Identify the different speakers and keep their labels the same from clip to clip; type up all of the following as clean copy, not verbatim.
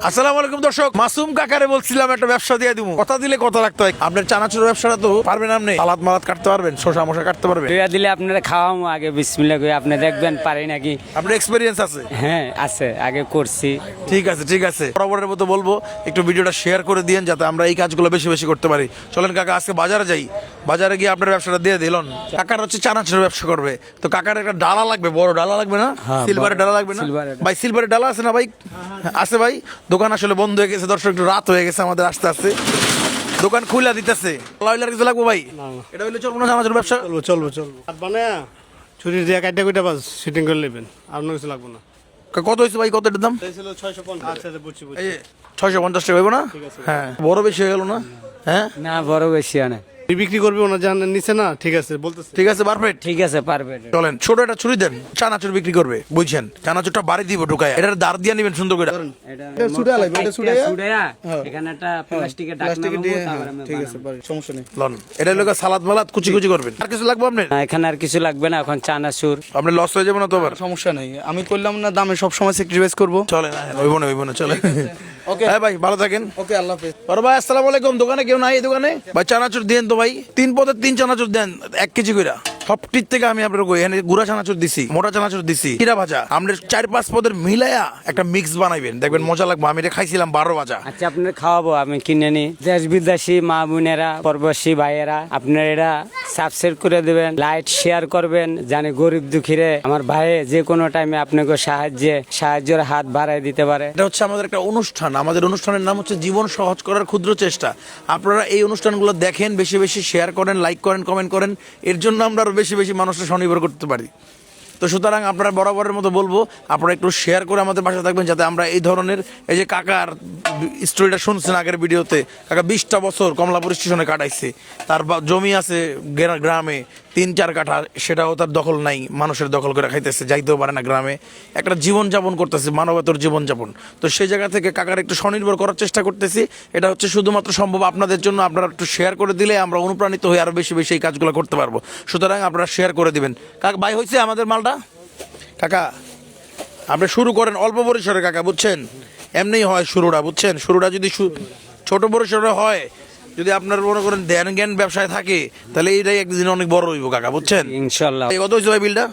Speaker 1: আসসালামু আলাইকুম দর্শক, মাসুম কাকারে বলছিলাম একটা ব্যবসা দিয়ে দিব, কথা দিলে কথা রাখতে হয়। আপনার চানাচুরের ব্যবসাটা তো পারবেন, আপনি সালাদ মালাদ কাটতে পারবেন, শসা মশা কাটতে পারবেন।
Speaker 2: দুইয়া দিলে আপনারা খাওয়ামো আগে বিসমিল্লাহ করে, আপনি দেখবেন পারি নাকি।
Speaker 1: আপনার এক্সপিরিয়েন্স আছে?
Speaker 2: হ্যাঁ আছে, আগে করছি।
Speaker 1: ঠিক আছে ঠিক আছে, বরাবরের মতো বলবো একটু ভিডিওটা শেয়ার করে দিন যাতে আমরা এই কাজগুলো বেশি বেশি করতে পারি। চলেন কাকা আজকে বাজারে যাই, বাজারে গিয়ে আপনার ব্যবসাটা দিয়ে দিলেন। কাকার হচ্ছে চানাচুরের ব্যবসা করবে, তো কাকার একটা ডালা লাগবে, বড় ডালা লাগবে না? সিলভারের ডালা লাগবে না ভাই? সিলভারের ডালা আছে না ভাই? আছে ভাই। দোকান আসলে বন্ধ হয়ে গেছে দর্শক, একটু রাত হয়ে গেছে আমাদের আস্তে আস্তে, দোকান খুলে দিতেছে। লাইলার কিছু লাগবে ভাই? এটা হইলে চলবো না চানাচুরের ব্যবসা?
Speaker 3: চলবো আর মানে ছুরি দিয়ে কাটটা কইটা বাস শুটিং করে নেবেন, আর কোনো কিছু লাগবে না।
Speaker 1: কত হয়েছে ভাই, কত এটার দাম?
Speaker 3: ছিল 650। আচ্ছা বুঝছি
Speaker 1: এই 650 টাকা হইব না? হ্যাঁ, বড় বেশি হয়ে গেল না? হ্যাঁ
Speaker 2: না বড় বেশি অনেক
Speaker 3: বিক্রি করবে ওনা জানেন নিচে না, ঠিক আছে বলতেছে।
Speaker 1: ঠিক আছে, পারফেক্ট।
Speaker 2: ঠিক আছে, পারবে।
Speaker 1: চলেন ছোট একটা ছুরি দেন, চানাচুর বিক্রি করবে বুঝছেন, চানাচুরটা বাড়ি দিব ঢুকায়, এটার দাঁড় দিয়ে নিবেন সুন্দর করে।
Speaker 3: এটা ছুড়া লাগবে, এটা ছুড়াইয়া
Speaker 2: এখানে একটা প্লাস্টিকের ঢাকনা লাগাবো, তারপরে আমি
Speaker 3: ঠিক আছে পারি, সমস্যা নেই।
Speaker 1: লন এটা লোক সালাদ মালাদ কুচি কুচি করবেন। আর কিছু লাগবে আপনার?
Speaker 2: বানাবো। এখানে আর কিছু লাগবে না, এখন চানাচুর।
Speaker 1: আপনি লস হয়ে যাবে না তো আবার?
Speaker 4: সমস্যা নেই, আমি করলাম না দামে সব সময় স্যাক্রিফাইস করব।
Speaker 1: চলেন হইব না চলে।
Speaker 4: ওকে
Speaker 1: হ্যাঁ ভাই, ভালো থাকেন।
Speaker 4: ওকে, আল্লাহ হাফেজ।
Speaker 1: বড় ভাই আসসালামু আলাইকুম। দোকানে কেউ নাই? এই দোকানে ভাই চানাচুর দেন তো ভাই, 3 পদের 3 চানাচুর দেন 1 কেজি করে। সবটির থেকে আমি আপনার এখানে গুড়া চানাচুর দিছি, মোটা চানাচুর দিছি, কিরা ভাজা। আমরা 4-5 পদের মিলাইয়া একটা মিক্স বানাইবেন, দেখবেন মজা লাগবে। আমি এটা খাইছিলাম 12 ভাজা।
Speaker 2: আচ্ছা আপনার খাওয়াবো, আমি কিনে নি। দেশ বিদেশি মা বোনেরা, প্রবাসী ভাইয়েরা, আপনার এটা সাবস্ক্রাইব করে দেবেন, লাইক শেয়ার করবেন, জানি গরিব দুঃখীরে আমার ভাই যে কোনো টাইমে আপনাকে সাহায্যের হাত বাড়ায় দিতে পারে।
Speaker 1: এটা হচ্ছে আমাদের একটা অনুষ্ঠান, আমাদের অনুষ্ঠানের নাম হচ্ছে জীবন সহজ করার ক্ষুদ্র চেষ্টা। আপনারা এই অনুষ্ঠানগুলো দেখেন, বেশি বেশি শেয়ার করেন, লাইক করেন, কমেন্ট করেন, এর জন্য আমরা আরো বেশি বেশি মানুষকে স্বনির্ভর করতে পারি। তো সুতরাং আপনারা বরাবরের মতো বলবো আপনারা একটু শেয়ার করে আমাদের পাশে থাকবেন, যাতে আমরা এই ধরনের, এই যে কাকার স্টোরিটা শুনছেন আগের ভিডিওতে, কাকা 20টা বছর কমলাপুর স্টেশনে কাটাইছে, তার জমি আছে গ্রামে 3-4 কাঠা, সেটাও তার দখল নাই, মানুষের দখল করে খাইতেছে, যাইতেও পারে না গ্রামে, একটা জীবনযাপন করতেছে, মানবতার জীবনযাপন। তো সেই জায়গা থেকে কাকার একটু স্বনির্ভর করার চেষ্টা করতেছি। এটা হচ্ছে শুধুমাত্র সম্ভব আপনাদের জন্য, আপনারা একটু শেয়ার করে দিলে আমরা অনুপ্রাণিত হয়ে আরো বেশি বেশি এই কাজগুলো করতে পারবো। সুতরাং আপনারা শেয়ার করে দিবেন। কাকা ভাই হয়েছে আমাদের মালটা? কাকা আপনি শুরু করেন অল্প পরিসরে কাকা, বুঝছেন? এমনিই হয় শুরুটা, বুঝছেন? শুরুটা যদি ছোট পরিসরে হয়, যদি আপনার মনে করেন ধ্যান জ্ঞান ব্যবসায় থাকে, তাহলে এইটাই একদিন অনেক বড় হইব কাকা, বুঝছেন?
Speaker 2: ইনশাল্লাহ।
Speaker 1: কত হয়েছে ভাই বিলটা?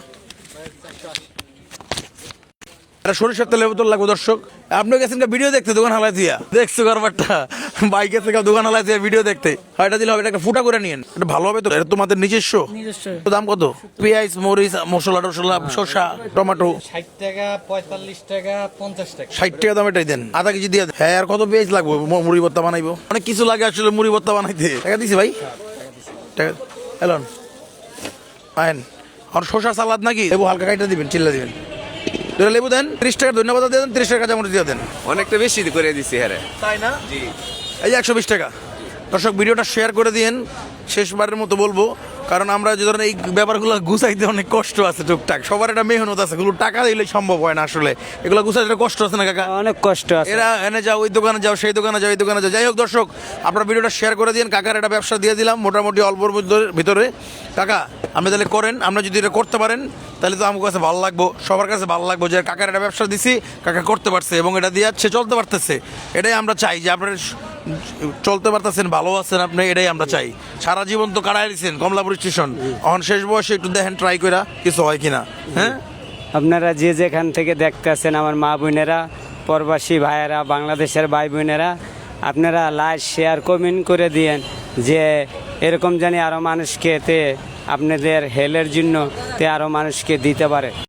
Speaker 1: সরিষার তেলের বোতল লাগবে দর্শক। আপনি গেছেন ভিডিও দেখতে, দোকান হালাই দিয়া দেখছো কারবারটা, বাইকে থেকে দোকান হালাই দিয়ে ভিডিও দেখতে। এটা দিলে হবে, এটা ফুটা করে নিয়েন, এটা ভালো হবে তো। এটা তোমাদের নিজস্ব? দাম কত? পেঁয়াজ, মরিচ, মশলা টসলা, শসা, টমেটো
Speaker 4: 60 টাকা, 45 টাকা, 50 টাকা।
Speaker 1: 60 টাকা দাম, এটাই দেন, আধা কেজি দিয়ে দেন। হ্যাঁ, আর কত পেঁয়াজ লাগবে? মুড়ি ভর্তা বানাইবো, অনেক কিছু লাগে আসলে মুড়ি ভর্তা বানাইতে। টাকা দিছি ভাই, টাকা এলন আইন। আর শসা সালাদ নাকি লেবু হালকা কাইটা দিবেন, চিল্লা দিবেন। দুটো লেবু দেন, 30 টাকা ধন্যবাদ দিয়ে দেন, 30 টাকা কাঁচামরিচ দিয়ে দেন।
Speaker 5: অনেকটা বেশি করে দিছি হ্যাঁ।
Speaker 1: তাই না? জি, এই যে 120 টাকা। দর্শক ভিডিওটা শেয়ার করে দিন, শেষবারের মতো বলবো, কারণ আমরা যে ধরেন এই ব্যাপারগুলো গুছাইতে অনেক কষ্ট আছে, টুকটাক সবার একটা মেহনত আছে, এগুলো টাকা দিলে সম্ভব হয় না আসলে, এগুলো গুছাইতে কষ্ট আছে না কাকা?
Speaker 2: অনেক কষ্ট আছে।
Speaker 1: এরা এনে যাও, ওই দোকানে যাও, সেই দোকানে যাও, এই দোকানে যাও। যাই হোক দর্শক, আপনারা ভিডিওটা শেয়ার করে দিন। কাকার একটা ব্যবসা দিয়ে দিলাম মোটামুটি অল্পর ভিতরে। কাকা আপনি তাহলে করেন, আমরা যদি এটা করতে পারেন তাহলে তো আমার কাছে ভালো লাগবো, সবার কাছে ভালো লাগবো যে কাকার একটা ব্যবসা দিছি, কাকা করতে পারছে এবং এটা দিয়ে সে চলতে পারতেছে। এটাই আমরা চাই, যে আপনারা চলতে পারতেছেন, ভালো আছেন আপনি, এটাই আমরা চাই। সারা জীবন তো কাটাই দিচ্ছেন কমলাপুর স্টেশন, এখন শেষ বয়সে একটু দেখেন ট্রাই করে কিছু হয় কিনা। হ্যাঁ,
Speaker 2: আপনারা যে যেখান থেকে দেখতেছেন, আমার মা বোনেরা, প্রবাসী ভাইয়েরা, বাংলাদেশের ভাই বোনেরা, আপনারা লাইক শেয়ার কমেন্ট করে দিয়েন, যে এরকম জানি আরও মানুষকে আপনাদের হেলের জন্য আরও মানুষকে দিতে পারে।